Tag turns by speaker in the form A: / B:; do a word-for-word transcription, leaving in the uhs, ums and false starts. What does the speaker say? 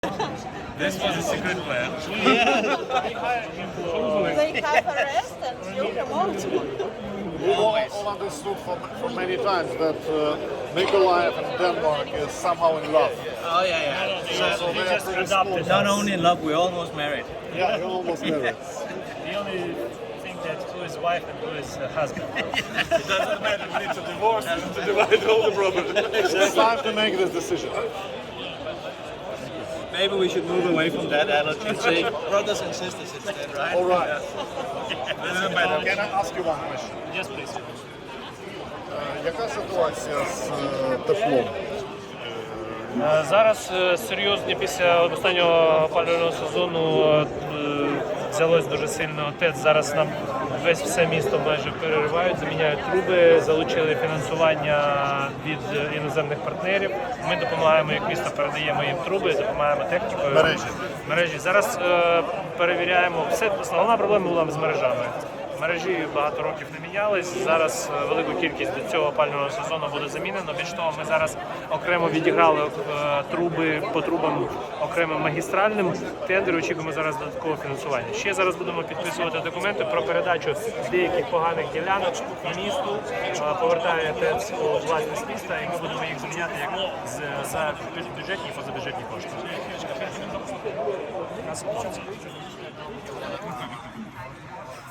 A: This was a secret plan.
B: They have arrest and you promote.
C: We all, all understood for, for many times that uh, Mykolaiv and Denmark is somehow in love.
A: Oh yeah, yeah.
C: So they
D: just
C: have to
D: adopted
C: explore
A: Not only in love, we're almost married.
C: that. Yeah, you're almost married.
D: The only thing that who is wife and who is uh, husband.
A: It doesn't matter. We need to divorce and to divide all the property.
C: It's time to make this decision.
A: Maybe we should move away from that analogy and say brothers and sisters instead, right?
C: All right.
A: Doesn't matter.
C: Can I ask you one question?
D: Yes, please.
C: Е, Яка ситуація з е, теплом?
D: Е, Зараз е, серйозні після останнього опалювального сезону е, взялось дуже сильно ТЕЦ. Зараз нам весь все місто майже переривають, заміняють труби, залучили фінансування від е, іноземних партнерів. Ми допомагаємо, як місто передаємо їм труби, допомагаємо технікою.
C: Мережі.
D: Мережі. Зараз е, перевіряємо все. Основна проблема була з мережами. Мережі багато років не мінялись. Зараз е, велику кількість до цього опалювального сезону буде замінено. Більш того, ми зараз окремо відіграли е, труби по трубам окремим магістральним тендер. Очікуємо зараз додаткове фінансування. Ще зараз будемо підписувати документи про передачу деяких поганих ділянок місту. Е, Повертає ТЕЦ у власність міста, і ми будемо їх заміняти як з- за бюджетні і позабюджетні кошти.